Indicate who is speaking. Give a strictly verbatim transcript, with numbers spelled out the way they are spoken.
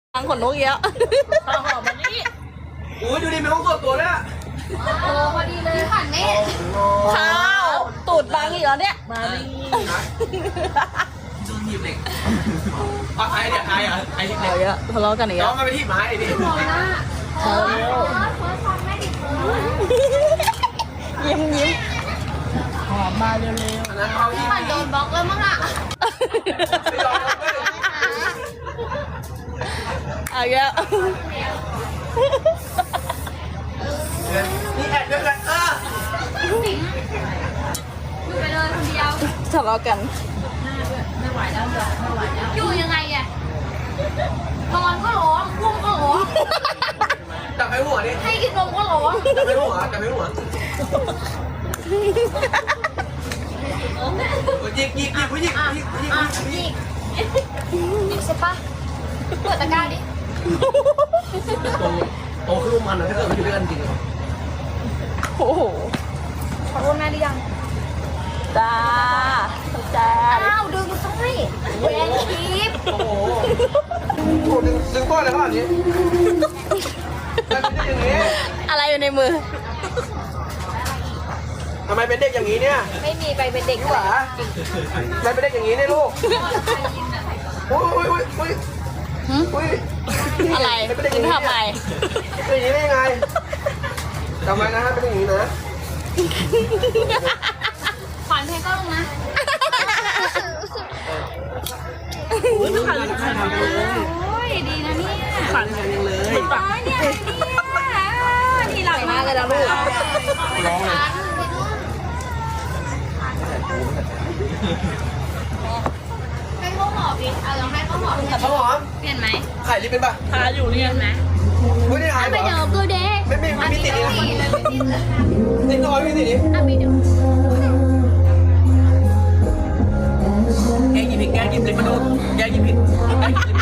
Speaker 1: ทางขนนกเยอะ
Speaker 2: ข้าวหอมมะลิ
Speaker 3: อุ้ยดูดิมีห้องส่วนตัวด้วยอะ
Speaker 4: โอ้พอดีเลยขันนี่
Speaker 1: ข้าวตูดบางอีกแล้วเนี่ย
Speaker 2: มาลิ
Speaker 3: โดนหีบเหล็กอ่ะไอ้เนี่ยไอ้อะไอ้หีบเหล็
Speaker 1: เอา
Speaker 3: ก
Speaker 1: เยอะทะเลาะกันอีก
Speaker 3: น้
Speaker 1: แล้
Speaker 3: อง
Speaker 1: ว
Speaker 3: มันไปที่ไม้ดิ
Speaker 4: มองหน้า
Speaker 1: เร็ว
Speaker 4: เฟิร์สเฟิร์สฟังแม่ดิเฟิร์ส
Speaker 1: ยิ้มยิ้ม
Speaker 2: หอมมาเร็ว
Speaker 3: อันนั้นเอาที่
Speaker 4: ขันโดนบล็อกแล้วมั้งอ่ะ
Speaker 3: ไม่ยอมรับเลย
Speaker 1: เอาเยอะ
Speaker 3: นี่แอบด้วยกันเออ
Speaker 4: อยู่ไปเลยคนเดียว
Speaker 1: ทะเลาะกัน
Speaker 4: อยู่ยังไงอ่ะนอนก็ร้องพุ่งก็ร้อง
Speaker 3: จับไปหัวดิ
Speaker 4: ให้กินนมก็ร้อง
Speaker 3: จับไปหัวจับไปหัวยิกยิกยิกผู้หญิงยิกยิก
Speaker 4: อ่ะ
Speaker 3: ยิก
Speaker 4: ยิกยิกใช่ปะเปิดตะกร้าดิ
Speaker 3: โตโตขึ้นมันนะถ้าเกิดมันอยู่ด้วยกันจริง
Speaker 1: โอ้โห
Speaker 4: ขอโทษแม่หรือยัง
Speaker 1: จ้าจ้า
Speaker 4: อ้าวดึงสร้อยแหวนทิพย์
Speaker 3: โอ้โหโอ้ดึงดึงก้อนอะไรขนาดนี้ทำไมเป็นเด็กอย่างนี้
Speaker 1: อะไรอยู่ในมือ
Speaker 3: ทำไมเป็นเด็กอย่างนี้เนี่ย
Speaker 4: ไม่มีไปเป็นเด็ก
Speaker 3: หวาทำไมเป็นเด็กอย่างนี้เนี่ยลูกอุ้ยอุ้ยอุ้ยอุ้ย
Speaker 1: หึ
Speaker 3: อุ้ย
Speaker 1: อะไร
Speaker 3: เป็นเด็กอ
Speaker 1: คุ
Speaker 3: ย่า
Speaker 1: ณ
Speaker 3: งนี้
Speaker 1: ทำไม
Speaker 3: เป็นอย่างนี้ได้ยังไงจำไว้นะฮะเป็นอย่างนี้นะ
Speaker 4: ขวัญเพลงก็ลงนะ
Speaker 2: ๆอุ้ยไม่ขันเลยขันเลย
Speaker 4: โอ้ยดีนะเนี่ย
Speaker 2: ขันเลยเลย
Speaker 4: อ๋อเนี่ยเนี่ยนี่หลับมากเลยนะลูก
Speaker 3: ร้องเลย
Speaker 4: ให้เขาหมอบดิเอาลองให้เขาหมอบ
Speaker 3: ข้าวหอม
Speaker 4: เปลี่ยนไหม
Speaker 3: ไข่ลิปเป็นปะ
Speaker 2: ทาอยู่เนี่ย
Speaker 4: เปลี่ยนไหม
Speaker 3: ไม่ได้หายเหร
Speaker 4: ไป
Speaker 3: อ
Speaker 4: เดี๋ยวกูเด้
Speaker 3: ไม่ไม่ไม่มีติดเลยนะ
Speaker 4: ไม่เลยไม่ติดเลย
Speaker 3: ติดน้อยไม่ติดดิ
Speaker 4: อ่ะมีเดี๋ยว
Speaker 3: แกหยิบผิดแกหยิบลิปมาดูแกหยิบผิดแกหยิบลิป